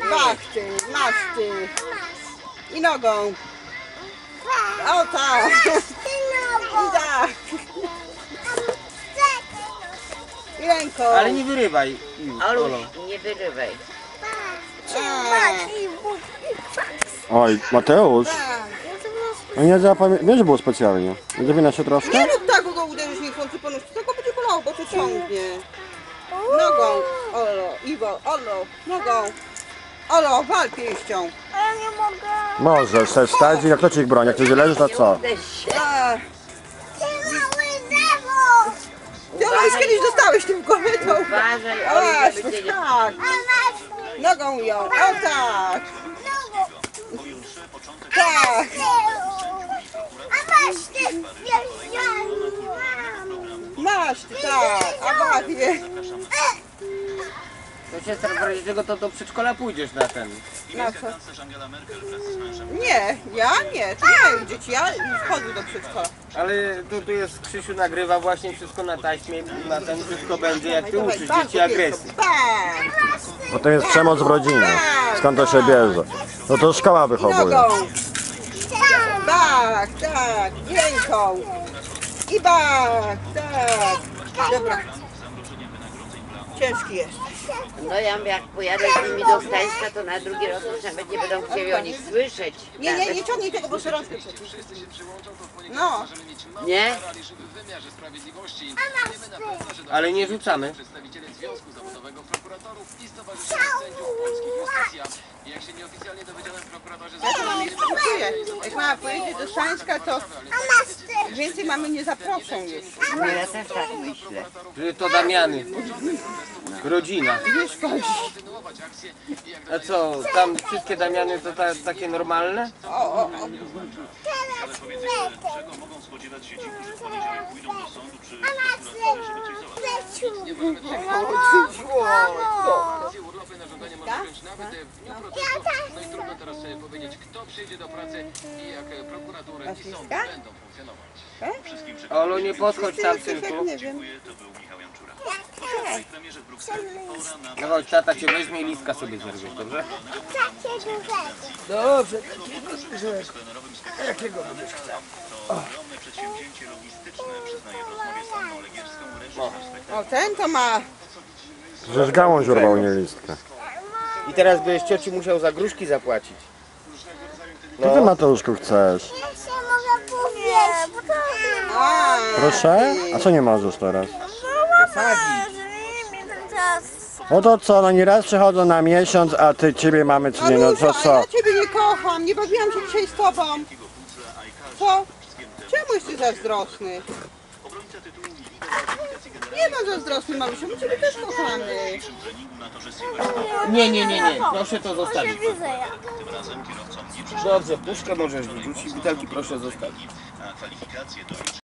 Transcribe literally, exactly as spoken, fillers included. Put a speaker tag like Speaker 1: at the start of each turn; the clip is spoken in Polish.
Speaker 1: Bach ty, masz ty. I nogą. O tak. I tak. I ręką.
Speaker 2: Ale nie wyrywaj.
Speaker 3: Oluś, nie wyrywaj.
Speaker 4: Oj, Mateusz,
Speaker 1: Tak.
Speaker 4: no nie zapamię... Wiesz, że było specjalnie. Nie zawina się troszkę?
Speaker 1: Nie rób tak, go uderzysz niechcący po nóżce, tylko będzie bolało, bo to ciągnie. Nogą, Olo, Iwo, Olo, nogą. Olo, wal pięścią.
Speaker 5: Ja nie mogę.
Speaker 4: Możesz sobie wstać i jak to ci ich broni, jak ty źle leżysz, to co?
Speaker 3: Uderz się.
Speaker 1: A,
Speaker 5: Ty mały lewo.
Speaker 1: ty Olo już kiedyś dostałeś tym w głowę, to...
Speaker 3: Uważaj,
Speaker 1: O,
Speaker 3: Oluś,
Speaker 1: właśnie,
Speaker 3: żeby cię nie...
Speaker 1: tak.
Speaker 5: A masz
Speaker 1: Nogą ją, o tak.
Speaker 5: nogą.
Speaker 1: Tak.
Speaker 5: A masz ty wjeżdżamy.
Speaker 1: Masz ty, tak. A bawię.
Speaker 2: To siostra, w razie czego to do przedszkola pójdziesz na ten.
Speaker 1: Na co? Nie, ja nie, to nie mają dzieci, ja wchodzę do przedszkola.
Speaker 2: Ale tu, tu jest, Krzysiu nagrywa właśnie wszystko na taśmie, na ten wszystko będzie, jak ty uczysz dzieci agresji.
Speaker 1: Tak.
Speaker 4: Bo to jest przemoc w rodzinie. Skąd to się bierze? No to szkoła wychowuje.
Speaker 1: Nogą. Tak, tak, ręką. I bak, tak. Dobra. Ciężki jest.
Speaker 3: No ja jak pojadę z nimi do Gdańska, to na drugi rok już nawet nie będą chcieli o nich słyszeć.
Speaker 1: Nie, nie, nie ciągnij tego, bo szerokie przecież. No.
Speaker 3: Nie?
Speaker 2: Ale nie rzucamy.
Speaker 1: Ja to mam jeszcze czuję. Jak mama pojedzie do Szańska, to
Speaker 5: A masz ty.
Speaker 1: więcej mamy nie zaproszą już.
Speaker 3: No ja też tak myślę.
Speaker 2: Że to Damiany. Rodzina.
Speaker 1: Nie szkodzi.
Speaker 2: A co, tam wszystkie Damiany to ta, takie normalne?
Speaker 1: O, o, o.
Speaker 5: Teraz lepiej. A masz leciu. Ja tak.
Speaker 6: No i trudno teraz sobie powiedzieć, kto przyjdzie do pracy i jak prokuratura i sądy
Speaker 1: Śliska?
Speaker 6: będą funkcjonować.
Speaker 2: Olu, nie podchodź tam, synku.
Speaker 1: Nie wiem.
Speaker 2: No chodź, tata cię weźmie i listka sobie zerwie, dobrze?
Speaker 5: Takie duże.
Speaker 2: Dobrze.
Speaker 1: O, ten to ma.
Speaker 4: Żeż gałąź urwał, nie listkę.
Speaker 2: I teraz byś cioci musiał za gruszki zapłacić.
Speaker 4: Co ty, Mateuszku, chcesz?
Speaker 5: Ja się mogę powiedzieć. bo to
Speaker 1: A,
Speaker 4: Proszę? A co nie możesz teraz?
Speaker 2: Sadzić.
Speaker 5: mi ten czas.
Speaker 4: No to co, no nieraz przychodzą na miesiąc, a ty ciebie mamy czy nie, no to
Speaker 1: Anusiu,
Speaker 4: co?
Speaker 1: ja ciebie nie kocham, nie bawiłam się dzisiaj z tobą. Co? Czemu jesteś zazdrosny? Nie ma zazdrosny, mamusiu, my ciebie też kochamy.
Speaker 2: Nie, nie, nie, nie. Proszę to zostawić.
Speaker 5: Widzę ja.
Speaker 2: Dobrze, puszkę możesz wyrzucić, butelki proszę zostawić.